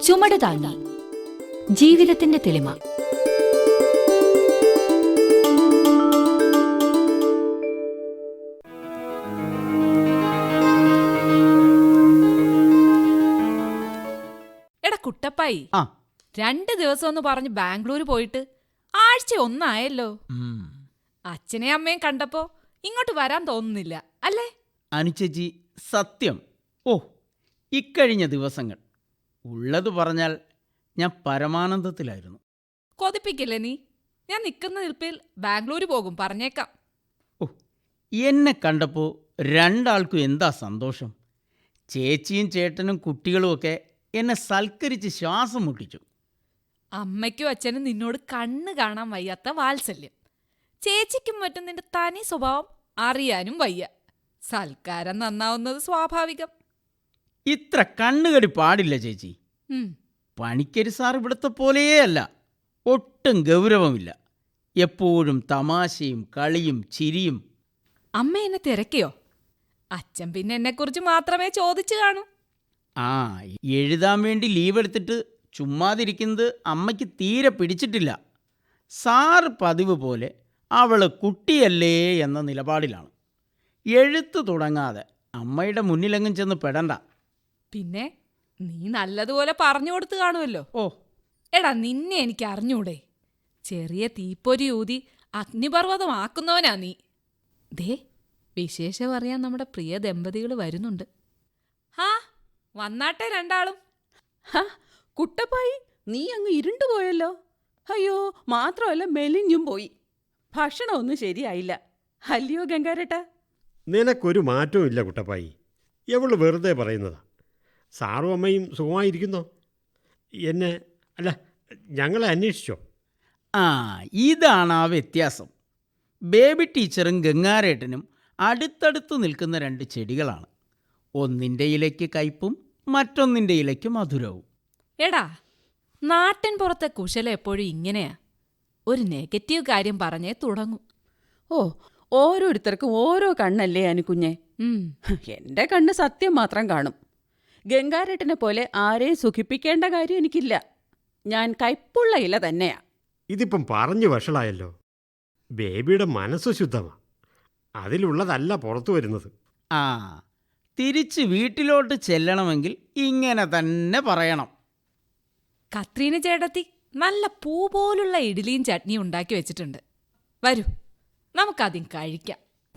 ചുമട് താങ്ങി ജീവിതത്തിന്റെ തെളിമ. എടാ കുട്ടപ്പായി, 2 ദിവസം ഒന്ന് പറഞ്ഞ് ബാംഗ്ലൂർ പോയിട്ട് ആഴ്ച ഒന്നായല്ലോ. അച്ഛനെയും അമ്മയും കണ്ടപ്പോ ഇങ്ങോട്ട് വരാൻ തോന്നുന്നില്ല അല്ലേ? അനുചേച്ചി, സത്യം. ഇക്കഴിഞ്ഞ ദിവസങ്ങൾ ഉള്ളത് പറഞ്ഞാൽ ഞാൻ പരമാനന്ദത്തിലായിരുന്നു. കൊതിപ്പിക്കില്ലേ നീ? ഞാൻ നിൽക്കുന്ന നിൽപ്പിൽ ബാംഗ്ലൂർ പോകും, പറഞ്ഞേക്കാം. എന്നെ കണ്ടപ്പോൾ രണ്ടാൾക്കും എന്താ സന്തോഷം. ചേച്ചിയും ചേട്ടനും കുട്ടികളുമൊക്കെ എന്നെ സൽക്കരിച്ച് ശ്വാസം മുട്ടിച്ചു. അമ്മയ്ക്കും അച്ഛനും നിന്നോട് കണ്ണ് കാണാൻ വയ്യാത്ത വാത്സല്യം. ചേച്ചിക്കും മറ്റും നിന്റെ തനി സ്വഭാവം അറിയാനും വയ്യ. സൽക്കാരം നന്നാവുന്നത് സ്വാഭാവികം. ഇത്ര കണ്ണുകടി പാടില്ല ചേച്ചി. പണിക്കര് സാർ ഇവിടുത്തെ പോലെയേ അല്ല. ഒട്ടും ഗൗരവമില്ല. എപ്പോഴും തമാശയും കളിയും ചിരിയും. അമ്മ എന്നെ തിരക്കിയോ? അച്ഛൻ പിന്നെ എന്നെക്കുറിച്ച് മാത്രമേ ചോദിച്ചു കാണൂ. എഴുതാൻ വേണ്ടി ലീവ് എടുത്തിട്ട് ചുമ്മാതിരിക്കുന്നത് അമ്മയ്ക്ക് തീരെ പിടിച്ചിട്ടില്ല. സാർ പതിവ് പോലെ അവള് കുട്ടിയല്ലേ എന്ന നിലപാടിലാണ്. എഴുത്ത് തുടങ്ങാതെ അമ്മയുടെ മുന്നിലെങ്ങും ചെന്ന് പെടണ്ട. പിന്നെ നീ നല്ലതുപോലെ പറഞ്ഞു കൊടുത്തു കാണുമല്ലോ. എടാ, നിന്നെ എനിക്ക് അറിഞ്ഞൂടെ? ചെറിയ തീപ്പൊരി ഊതി അഗ്നിപർവ്വതമാക്കുന്നവനാ നീ. ദേ, വിശേഷം അറിയാൻ നമ്മുടെ പ്രിയ ദമ്പതികൾ വരുന്നുണ്ട്. വന്നാട്ടെ രണ്ടാളും. കുട്ടപ്പായി, നീ അങ്ങ് ഇരുണ്ടുപോയല്ലോ. അയ്യോ, മാത്രമല്ല മെലിഞ്ഞും പോയി. ഭക്ഷണമൊന്നും ശരിയായില്ല. അല്ലയോ ഗംഗാരേട്ടാ? നിനക്കൊരു മാറ്റവും ഇല്ല കുട്ടപ്പായി. എവള് വെറുതെ പറയുന്നതാ. സാറും അമ്മയും സുഖമായിരിക്കുന്നോ? ഞങ്ങളെ അന്വേഷിച്ചോ? ഇതാണ് ആ വ്യത്യാസം. ബേബി ടീച്ചറും ഗംഗാരേട്ടനും അടുത്തടുത്ത് നിൽക്കുന്ന 2 ചെടികളാണ്. ഒന്നിൻ്റെ ഇലയ്ക്ക് കയ്പും മറ്റൊന്നിൻ്റെ ഇലയ്ക്ക് മധുരവും. എടാ, നാട്ടിൻ പുറത്തെ കുശലം എപ്പോഴും ഇങ്ങനെയാ. ഒരു നെഗറ്റീവ് കാര്യം പറഞ്ഞേ തുടങ്ങും. ഓരോരുത്തർക്കും ഓരോ കണ്ണല്ലേ അനുകുഞ്ഞെ. എന്റെ കണ്ണ് സത്യം മാത്രം കാണും. ഗംഗാരേട്ടനെ പോലെ ആരെയും സുഖിപ്പിക്കേണ്ട കാര്യം എനിക്കില്ല. ഞാൻ കയ്പുള്ള ഇല തന്നെയാ. ഇതിപ്പം പറഞ്ഞു വഷളായല്ലോ. ബേബിയുടെ മനസ്സ് ശുദ്ധമാ. അതിലുള്ളതല്ല പുറത്തു വരുന്നത്. തിരിച്ച് വീട്ടിലോട്ട് ചെല്ലണമെങ്കിൽ ഇങ്ങനെ തന്നെ പറയണം. കത്രീന ചേട്ടത്തി നല്ല പൂ പോലുള്ള ഇഡ്ഡലിയും ചട്നിയും ഉണ്ടാക്കി വെച്ചിട്ടുണ്ട്. വരൂ, നമുക്കാദ്യം കഴിക്കാം.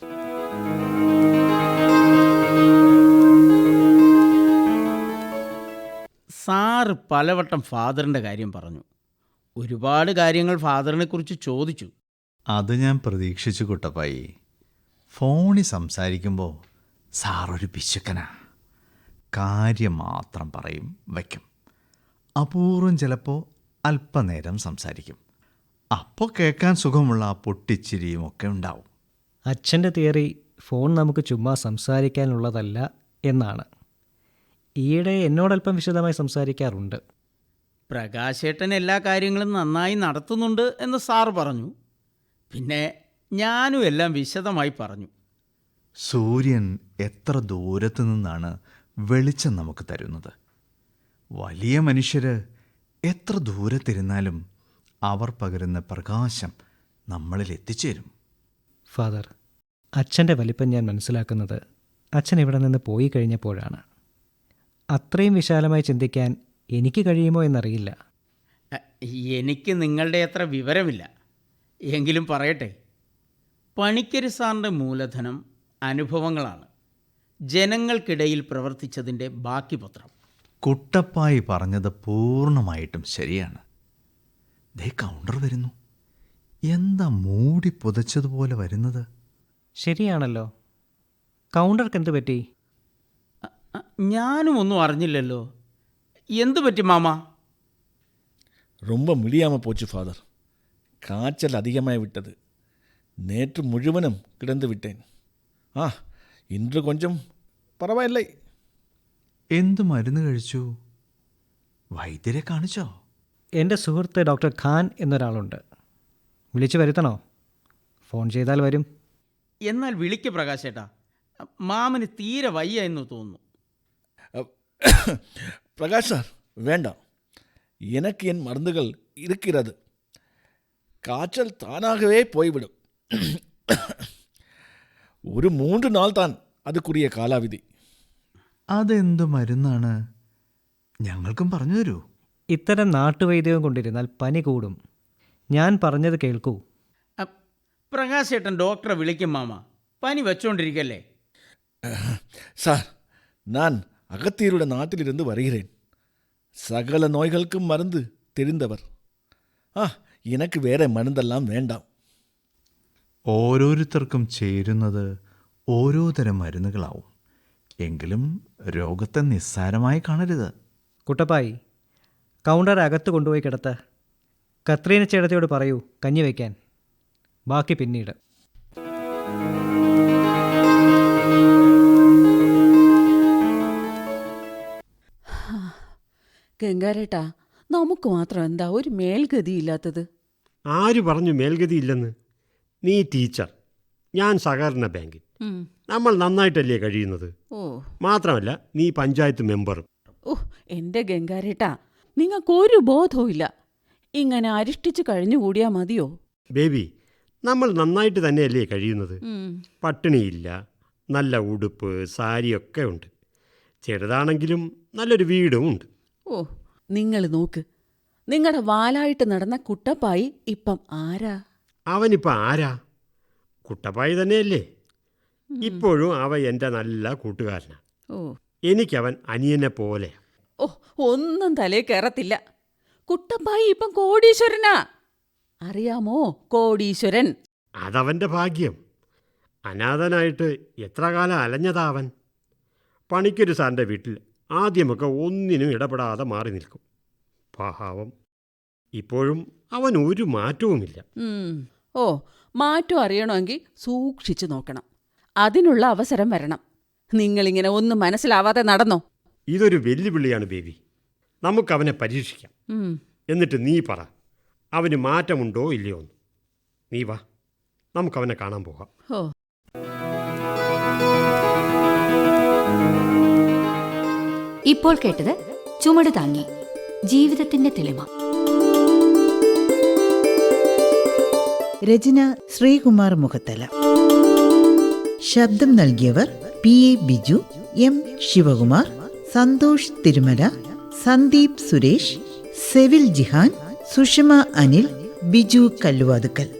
സാറ് പലവട്ടം ഫാദറിൻ്റെ കാര്യം പറഞ്ഞു. ഒരുപാട് കാര്യങ്ങൾ ഫാദറിനെ കുറിച്ച് ചോദിച്ചു. അത് ഞാൻ പ്രതീക്ഷിച്ചു കുട്ടപ്പായി. ഫോണിൽ സംസാരിക്കുമ്പോൾ സാറൊരു പിശുക്കനാ. കാര്യം മാത്രം പറയും, വയ്ക്കും. അപൂർവം ചിലപ്പോൾ അല്പനേരം സംസാരിക്കും. അപ്പോൾ കേൾക്കാൻ സുഖമുള്ള ആ പൊട്ടിച്ചിരിയും ഒക്കെ ഉണ്ടാവും. അച്ഛൻ്റെ തിയറി ഫോൺ നമുക്ക് ചുമ്മാ സംസാരിക്കാനുള്ളതല്ല എന്നാണ്. ഈയിടെ എന്നോടല്പം വിശദമായി സംസാരിക്കാറുണ്ട്. പ്രകാശേട്ടൻ എല്ലാ കാര്യങ്ങളും നന്നായി നടത്തുന്നുണ്ട് എന്ന് സാറ് പറഞ്ഞു. പിന്നെ ഞാനും എല്ലാം വിശദമായി പറഞ്ഞു. സൂര്യൻ എത്ര ദൂരത്തു നിന്നാണ് വെളിച്ചം നമുക്ക് തരുന്നത്. വലിയ മനുഷ്യർ എത്ര ദൂരത്തിരുന്നാലും അവർ പകരുന്ന പ്രകാശം നമ്മളിൽ എത്തിച്ചേരും. ഫാദർ, അച്ഛൻ്റെ വലിപ്പം ഞാൻ മനസ്സിലാക്കുന്നത് അച്ഛൻ ഇവിടെ നിന്ന് പോയി കഴിഞ്ഞപ്പോഴാണ്. അത്രയും വിശാലമായി ചിന്തിക്കാൻ എനിക്ക് കഴിയുമോ എന്നറിയില്ല. എനിക്ക് നിങ്ങളുടെ അത്ര വിവരമില്ല. എങ്കിലും പറയട്ടെ, പണിക്കര് സാറിൻ്റെ മൂലധനം അനുഭവങ്ങളാണ്. ജനങ്ങൾക്കിടയിൽ പ്രവർത്തിച്ചതിൻ്റെ ബാക്കി പത്രം. കുട്ടപ്പായി പറഞ്ഞത് പൂർണ്ണമായിട്ടും ശരിയാണ്. ദേ കൗണ്ടർ വരുന്നു. എന്താ മൂടി പുതച്ചതുപോലെ വരുന്നത്? ശരിയാണല്ലോ. കൗണ്ടർക്ക് എന്ത് പറ്റി? ഞാനും ഒന്നും അറിഞ്ഞില്ലല്ലോ. എന്തു പറ്റി മാമ? ரொம்ப முடியாமல் போச்சு ஃபாதர். காய்ச்சல் அதிகமாக விட்டது. நேற்று முழுவதும் கிடந்து விட்டேன். இன்று கொஞ்சம் பரவாயில்லை. എന്ത് മരുന്ന് കഴിച്ചു? വൈദ്യരെ കാണിച്ചോ? എൻ്റെ സുഹൃത്ത് ഡോക്ടർ ഖാൻ എന്നൊരാളുണ്ട്. വിളിച്ചു വരുത്തണോ? ഫോൺ ചെയ്താൽ വരും. എന്നാൽ വിളിക്ക് പ്രകാശേട്ടാ. മാമന് തീരെ വയ്യ എന്ന് തോന്നുന്നു. പ്രകാശ് സാർ വേണ്ട, எனக்கு என் மருந்துகள் இருக்கிறது. காய்ச்சல் தானாகவே போய்விடும். ഒരു 3 നാൾ താൻ അതുക്കുറിയ കാലാവധി. അതെന്ത് മരുന്നാണ്? ഞങ്ങൾക്കും പറഞ്ഞു തരൂ. ഇത്തരം നാട്ടുവൈദ്യവും കൊണ്ടിരുന്നാൽ പനി കൂടും. ഞാൻ പറഞ്ഞത് കേൾക്കൂ. പ്രകാശേട്ടൻ ഡോക്ടറെ വിളിക്കും മാമ. പനി വെച്ചോണ്ടിരിക്കല്ലേ. சார், நான் அகத்தியருடைய நாட்டிலிருந்து வருகிறேன். சகல நோய்களுக்கும் மருந்து தெரிந்தவர். எனக்கு வேற மருந்தெல்லாம் வேண்டாம். ഓരോരുത്തർക്കും ചേരുന്നത് ഓരോ തരം മരുന്നുകളാവും. എങ്കിലും രോഗത്തെ നിസ്സാരമായി കാണരുത്. കുട്ടപ്പായി, കൗണ്ടർ അകത്ത് കൊണ്ടുപോയി കിടത്ത. കത്രീന ചേട്ടത്തിയോട് പറയൂ കഞ്ഞി വയ്ക്കാൻ. ബാക്കി പിന്നീട്. ഗംഗാരേട്ടാ, നമുക്ക് മാത്രം എന്താ ഒരു മേൽഗതിയില്ലാത്തത്? ആര് പറഞ്ഞു മേൽഗതിയില്ലെന്ന്? നീ ടീച്ചർ, ഞാൻ സഹകരണ ബാങ്കിൽ. നമ്മൾ നന്നായിട്ടല്ലേ കഴിയുന്നത്? ഓ, മാത്രമല്ല നീ പഞ്ചായത്ത് മെമ്പറും. എൻ്റെ ഗംഗാരേട്ടാ, നിങ്ങൾക്കൊരു ബോധവും ഇല്ല. ഇങ്ങനെ അരിഷ്ടിച്ച് കഴിഞ്ഞുകൂടിയാൽ മതിയോ? ബേബി, നമ്മൾ നന്നായിട്ട് തന്നെയല്ലേ കഴിയുന്നത്? പട്ടിണിയില്ല, നല്ല ഉടുപ്പ്, സാരിയൊക്കെ ഉണ്ട്. ചെറുതാണെങ്കിലും നല്ലൊരു വീടും ഉണ്ട്. ഓ, നിങ്ങൾ നോക്ക്, നിങ്ങളുടെ വാലായിട്ട് നടന്ന കുട്ടപ്പായി ഇപ്പം ആരാ? അവനിപ്പോൾ ആരാ? കുട്ടപ്പായി തന്നെയല്ലേ. ഇപ്പോഴും അവൻ എൻ്റെ നല്ല കൂട്ടുകാരനാണ്. ഓ, എനിക്കവൻ അനിയനെ പോലെ. ഓ, ഒന്നും തലേ കയറത്തില്ല. കുട്ടപ്പായി ഇപ്പം കോടീശ്വരനാ. അറിയാമോ, കോടീശ്വരൻ. അതവൻ്റെ ഭാഗ്യം. അനാഥനായിട്ട് എത്ര കാലം അലഞ്ഞതാ അവൻ. പണിക്കൊരു സാറിൻ്റെ വീട്ടിൽ ആദ്യമൊക്കെ ഒന്നിനും ഇടപെടാതെ മാറി നിൽക്കും. പാവം. ഇപ്പോഴും അവൻ ഒരു മാറ്റവുമില്ല. ഓ, മാറ്റം അറിയണമെങ്കിൽ സൂക്ഷിച്ചു നോക്കണം. അതിനുള്ള അവസരം വരണം. നിങ്ങളിങ്ങനെ ഒന്നും മനസ്സിലാവാതെ നടന്നോ? ഇതൊരു വെല്ലുവിളിയാണ് ബേബി. നമുക്കവനെ പരീക്ഷിക്കാം. എന്നിട്ട് നീ പറ, അവന് മാറ്റമുണ്ടോ ഇല്ലയോ എന്ന്. നീ വാ, നമുക്കവനെ കാണാൻ പോകാം. ഓ, ഇപ്പോൾ കേട്ടത് ചുമട് താങ്ങി ജീവിതത്തിന്റെ തെളിമ. രചന ശ്രീകുമാർ മുഖത്തല. ശബ്ദം നൽകിയവർ PA ബിജു, M ശിവകുമാർ, സന്തോഷ് തിരുമല, സന്ദീപ് സുരേഷ്, സെവിൽ ജിഹാൻ, സുഷമ അനിൽ, ബിജു കല്ലുവാതുക്കൽ.